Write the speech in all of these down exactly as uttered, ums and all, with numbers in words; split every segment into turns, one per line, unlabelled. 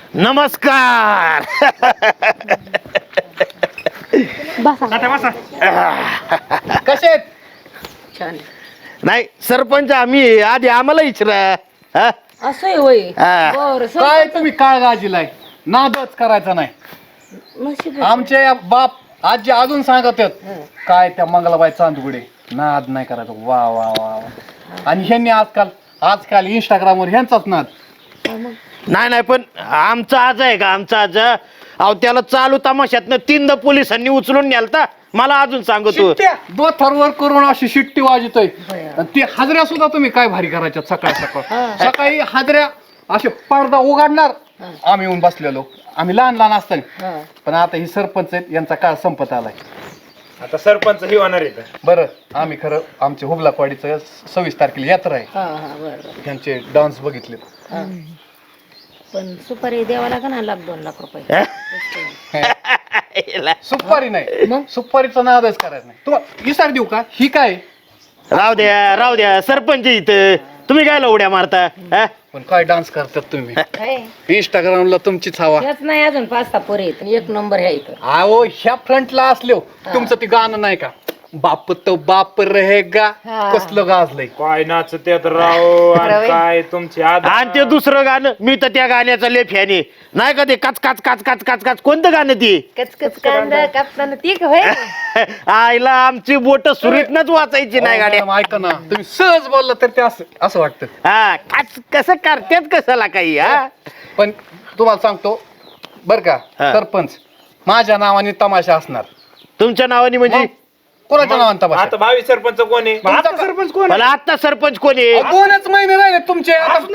नमस्कार.
कसे
छान
नाही सरपंच आम्ही आधी आम्हाला इचरा.
असं होय
हा.
बर
काय तुम्ही काय गाजीलाय नादच करायचा नाही.
नशीब
आमचे बाप आजी अजून सांगत आहेत काय त्या मंगलाबाई चांदुगडे नाद नाही करायचा. वा वा वा वा. आणि ह्यांनी आजकाल आजकाल इंस्टाग्रामवर ह्यांचाच नाद.
नाही नाही पण आमचा आज आहे का आमचा आज अहो त्याला चालू तमाशातनं तीनदा पोलिसांनी उचलून न्यालता. मला अजून सांगतो
दोथरवर करून अशी शिट्टी वाजतोय. आणि ते हाजऱ्या सुद्धा तुम्ही काय भारी करायच्या सकाळ सकाळ सकाळी हाजऱ्या असे पडदा उघडणार आम्ही येऊन बसलेलो. आम्ही लहान लहान असताना. पण आता ही सरपंच आहेत यांचा काळ संपत आलाय.
आता सरपंच ही होणार आहे.
बरं आम्ही खरं आमचे हुबलाकवाडीचं सव्वीस तारखेला यात्रा आहे.
हा हा बरं
त्यांचे डान्स बघितले.
पण सुपारी द्यावा लागेल ना लाख दोन लाख रुपये.
सुपारी नाही सुपारीचा नादच करायचा नाही. तुम्हाला विचार देऊ का ही काय
राहू द्या राहू द्या सरपंच इथं तुम्ही काय उड्या मारता. हा?
पण काय डान्स करतात तुम्ही इंस्टाग्रामला तुमचीच हवा.
हेच नाही अजून पाच सहा पोरे आहेत एक नंबर ह्या इथं.
अहो ह्या फ्रंटला असलो तुमचं ते गाणं नाही का बाप तो बाप रहेगा कसलं गाजलंय.
काय नाचत्यात राव आणि काय तुमची आदा.
आणि ते दुसरं गाणं मी तर त्या गाण्याचा लेफ याने नाही का ते काच काच काच काच काच काच कोणतं गाणं ती
कचकच कांदा कापताना ती होय.
आईला आमची बोट सुरीतनच वाचायची नाही गाड्या.
मॅडम, ऐका ना तुम्ही सहज बोलला तर ते असं असं वाटतं.
हा काच कसं करतात कशाला काही. हा
पण तुम्हाला सांगतो बर का
हा.
सरपंच माझ्या नावाने तमाशा असणार.
तुमच्या नावाने म्हणजे
कोणाच्या नावाने तमाशा
आता भावी सरपंच कोण आहे.
तुमचा-
सरपंच कोण
मला आता सरपंच कोणी
अहो, दोनच महिने राहिले तुमचे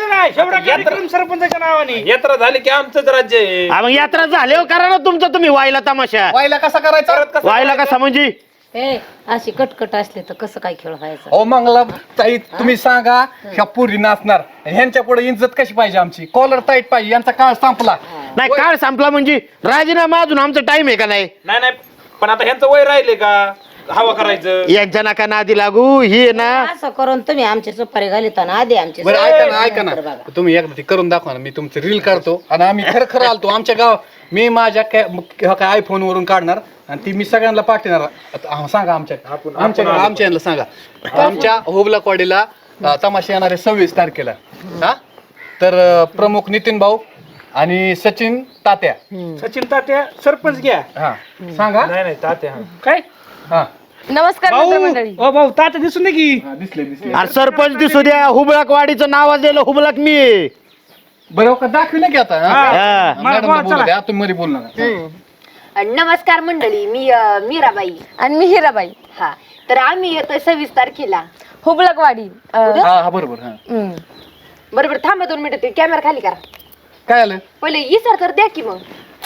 आता.
सरपंचाच्या नावाने यात्रा झाली की आमचंच राज्य आहे.
मग यात्रा झाल्यावर करा ना तुमचा तुम्ही व्हायला तमाशा.
व्हायला कसा करायचा
व्हायला कसा म्हणजे
ए अशी कटकट असले तर कसं काय खेळ व्हायचा.
अहो मंगला ताई तुम्ही सांगा ह्या पुरी नाचणार ह्यांच्या पुढे इज्जत कशी पाहिजे आमची. कॉलर टाईट पाहिजे यांचा काळ संपला.
नाही काळ संपला म्हणजे राजीनामा अजून आमचा टाइम आहे का नाही.
नाही नाही पण आता ह्यांचं वय राहिले का हवा करायचं.
यांच्या नाका नादी लागू ही ना.
असं करून तुम्ही आमची सुपारी घालिता ना आधी आमची
बरं ऐका ना ऐका ना तुम्ही एकदा ते करून दाखवा ना. मी तुमचं रील काढतो आणि आम्ही खरं खरं आलतो आमच्या गाव. मी माझ्या काय आयफोन वरून काढणार आणि ती मी सगळ्यांना पाठवणार. आता सांगा आमच्या आमच्या आमच्या यांना सांगा आमच्या हुबलाकवाडीला अं, तमाशा येणार आहे सव्वीस तारखेला. हा तर अं, प्रमुख नितीन भाऊ आणि सचिन तात्या.
सचिन तात्या सरपंच घ्या.
हा सांगा
नाही नाही तात्या हा.
काय
हा
नमस्कार मित्रमंडळी.
ओ भाऊ तात्या दिसून दे की.
हा, दिसले दिसले
अरे सरपंच दिसू द्या. हुबळक वाडीचं नाव असलेलं हुबळक मी आहे.
बरं का दाखविलं की आता हा?
हा.
मॅडमला बोलू द्या तुम्ही मध्ये बोल नका.
नमस्कार मंडळी मी अ, मीराबाई.
आणि मी हिराबाई
हा तर आम्ही येतोय सव्वीस तारखेला.
हुबलकवाडी. अं,
हा हा बरोबर हा
हम्म.
बरोबर थांबा दोन मिनिटं कॅमेरा खाली करा.
काय आलं
पहिले इसार तर द्या की मग.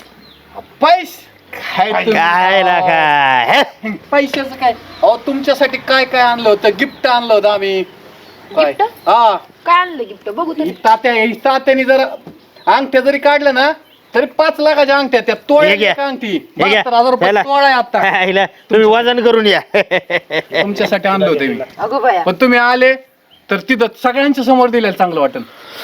पैसे काय तुम्ही-
काय ना काय
पैशाचं काय अहो तुमच्यासाठी काय काय आणलं होतं गिफ्ट आणलं होतं आम्ही. काय?
गिफ्ट?
हा
काय आणलं गिफ्ट बघू
ही
तरी.
तात्या ही तात्याने जर अंगठ्या जरी काढल्या ना तरी पाच लाखाच्या अंगठ्या त्या
हे
तोळ्या
घ्या.
अंगठी
हे घ्या.
बहात्तर हजार रुपये
त्याला-
तोळा आहे आता.
हायला, तुम्ही वजन करून या.
तुमच्यासाठी आणलं होतं मी.
अगो बाया
पण तुम्ही आले तर तिथं सगळ्यांच्या समोर दिलेलं चांगलं वाटेल.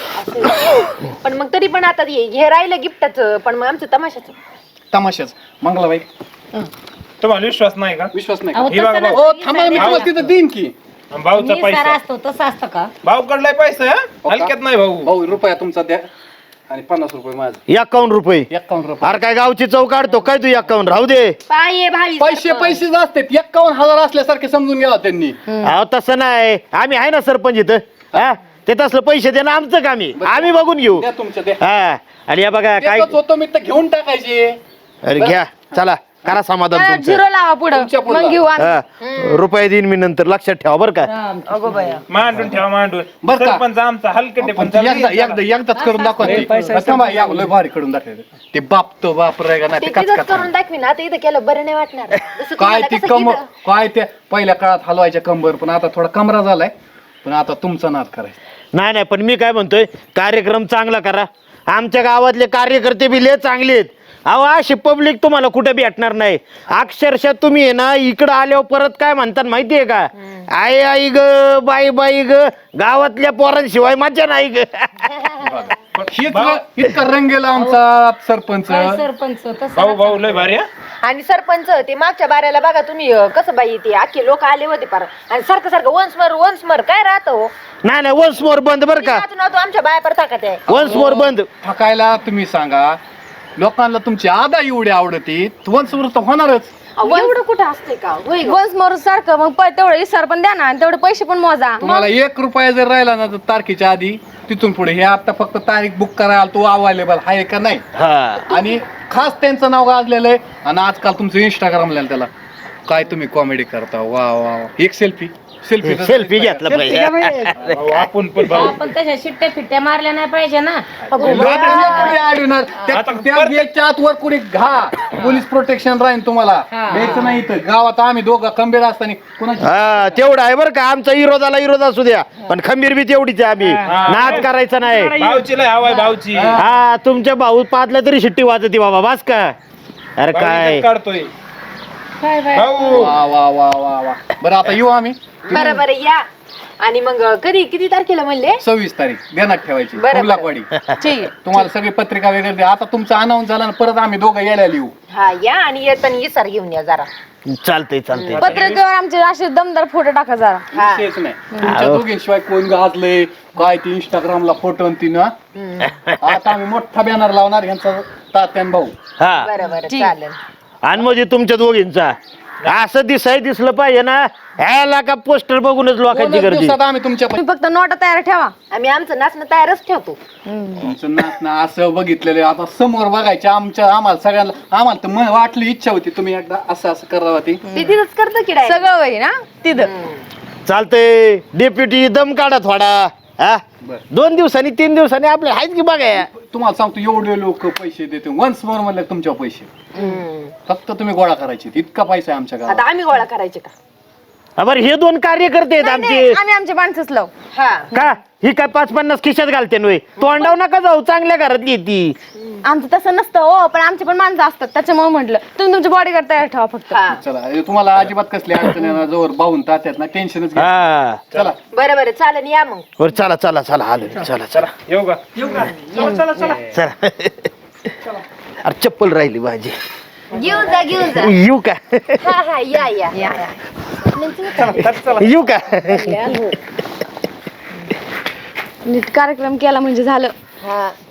पण मग तरी पण आता हे हे राहिलं गिफ्टाचं पण मग आमचं तमाशाचं.
तमाशाच मंगलाबाई
तुम्हाला विश्वास नाही का.
विश्वास नाही
अहो,
का?
हे बघा
तसं
भाऊ.
हो
नसतं.
थांबा मी तुम्हाला तिथं देईन की.
भाऊचा
मी
पैसा
सारा असतो तसं असतं का.
भाऊ कडलाय पैसा हा? हलक्यात नाही भाऊ.
भाऊ रुपया तुमचा द्या आणि पन्नास रुपये माझं.
एकावन्न रुपये.
एक्कावन्न रुपये
अरे काय गावची चौक काढतो काय तू एकावन्न राहू दे.
पाय भावी
पैसे पैसे असतात एक्कावन्न हजार असल्यासारखे समजून घ्या त्यांनी.
अहो तसं नाही आम्ही आहे ना सरपंच इथं. हा ते तसलं पैसे देणं आमचं काम आहे. आम्ही बघून घेऊ.
द्या तुमच्या द्या.
हा आणि या बघा काय
देतोच होतो मी तर घेऊन टाकायचे.
अरे घ्या चला करा समाधान
हा,
तुमचं.
झिरो लावा पुढं
तुमच्या पुढं
मग घेऊ आम्ही.
हा, रुपये देईन मी नंतर लक्षात ठेवा बरं का.
अगो बाया.
मांडून ठेवा मांडून.
बरं का?
सरपंच आमचा हलकटे पण
पण एकदा एकदा एकदाच करून दाखवा ते. थांबा, या, लय भारी करून दाखवायचं. ते बाप तो बाप राहिला नाही
ते
ते काच
तिथंच
काच.
करून दाखवी ना आता इथं केलं बरं नाही वाटणार. जसं
काय
तुम्हाला
ती
कसं
कम
इथं-
काय ते पहिल्या काळात हलवायच्या कंबर पण आता थोडा कमरा झालाय. पण आता तुमचा नाद करायचा.
नाही नाही पण मी काय म्हणतोय कार्यक्रम चांगला करा. आमच्या गावातले कार्यकर्ते बी लय चांगले आहेत. अहो अशी पब्लिक तुम्हाला कुठे भेटणार नाही. अक्षरशः तुम्ही आहे ना इकडं आल्यावर परत काय म्हणतात माहितीये का. आई आई ग बाई बाई ग गावातल्या पोरांशिवाय मजा नाही ग.
हेच इतका रंग गेला आमचा सरपंच.
काय सरपंच तसं
भाऊ भाऊ लय भारी हा.
आणि सरपंच ते मागच्या बाऱ्याला बघा तुम्ही अं, कसं बाई ते आखे लोक आले होते पार आणि सारखं सारखं वन्स मर वन्स मर काय राहतं हो
नाही नाही वन्स मोर बंद बर का,
वाचून वाचून आमच्या बाया पर ताकद आहे.
वन्स मोर बंद.
थकायला तुम्ही सांगा, लोकांना तुमची आदा एवढी आवडती वंशवर तर होणारच.
अहो, एवढं कुठं असते का होय गं?
वन्स मोर सारखं मग प- तेवढं इसार पण द्या ना आणि तेवढे पैसे पण मोजा.
तुम्हाला एक रुपया जर राहिला ना तर तारखेच्या आधी तिथून पुढे हे आता फक्त तारीख बुक करायला तो अवेलेबल आहे का नाही,
हा
आणि खास त्यांचं नाव गाजलेलं आहे. आणि आजकाल तुमचं इंस्टाग्रामला त्याला काय तुम्ही कॉमेडी करता, वा वा वा. एक सेल्फी सेल्फी
सेल्फी घेतला पाहिजे.
भाऊ, आपण पण भाऊ
आपण तशा शिट्ट्या फिट्ट्या मारल्या नाही पाहिजे ना.
आत वर कुणी घा, पोलीस प्रोटेक्शन राहील तुम्हाला. द्यायचं नाही तर गावात आम्ही दोघं खंबीर असताना कुणाची
हा तेवढं आहे बरं का, आमचा विरोधाला विरोध असू द्या पण खंबीर बी तेवढीच आहे आम्ही, नाद करायचा नाही.
भाऊची लय हवाय भाऊची.
हा तुमच्या भाऊ पाचला तरी शिट्टी वाजती बाबा बास का. अरे काय
काढतोय
काय बाय
भाऊ.
वा वा वा वा वा. बरं आता येऊ आम्ही
बरं बरं या. आणि मग अं, कधी किती तारखेला म्हणले?
सव्वीस तारीख ध्यानात ठेवायची,
बरं,
कुर्लाकवाडी.
ठीक आहे.
तुम्हाला सगळी पत्रिका वगैरे द्या. आता तुमचा अनाऊन्स झाला ना, परत आम्ही दोघं यायला लिहू.
हा या आणि येताना इसार घेऊन या जरा.
चालतंय चालतंय.
पत्रकावर आमचे असे दमदार फोटो टाका जरा.
हा
विषयच नाही. तुमच्या दोघींशिवाय कोण गाजलंय काय ते इंस्टाग्रामला फोटो ती ना. आता आम्ही मोठा बॅनर लावणार यांचा तात्यान भाऊ.
हा
बरं बरं
ठीक.
चालेल.
आणि म्हणजे तुमच्या दोघींचा असं दिसाय दिसलं पाहिजे ना, ह्याला का पोस्टर बघूनच लोकांची
दोनच
गर्दी.
दिवसात आम्ही तुमच्या
तुम्ही फक्त नोटा तयार ठेवा.
आम्ही आमचं नाचणं तयारच ठेवतो.
तुमचं नाचणं असं बघितलेलं आता समोर बघायचं आमच्या आम्हाला सगळ्यांना. आम्हाला तर म- वाटली इच्छा होती तुम्ही एकदा असं असं करावं ती.
ते तिथंच करतं की direct?
सगळं होईल ना तिथं.
चालतंय डेप्युटी दम काढा थोडा. हा
बरं.
दोन दिवसांनी तीन दिवसांनी आपले आहेत की बघा.
तुम्हाला सांगतो एवढे लोक पैसे देते वन्स मोर म्हणलं तुमच्या पैसे
हम्म.
फक्त तुम्ही गोळा करायचे. इतका पैसा आहे आमच्या गावात.
आता आम्ही गोळा करायचे का?
हा, बरं हे दोन कार्यकर्ते आहेत
नाही,
आमचे.
नाही, आम्ही आमचे माणसंच लावू.
हा
का ही काय पाच पन्नास खिशात घालते नव्हे, तोंडाव नका जाऊ, चांगल्या घरात येते.
आमचं तसं नसतं हो, पण आमचे पण माणसं असतात त्याच्यामुळे म्हटलं तुम्ही तुमचे बॉडीगार्ड तयार ठेवा फक्त.
हा
चला हे तुम्हाला अजिबात कसली अडचण येणार जोर बाहून तात्यात ना टेन्शनच घ्या.
हा
चला
बरं बरं चालेल या मग.
बरं चला चला चला आलो चला चला
येऊ का?
चला. अरे चप्पल राहिली माझी,
घेऊन जा घेऊन जा.
येऊ का
हा हा या या
या, या.
येऊ का.
नीट कार्यक्रम केला म्हणजे झालं.
हा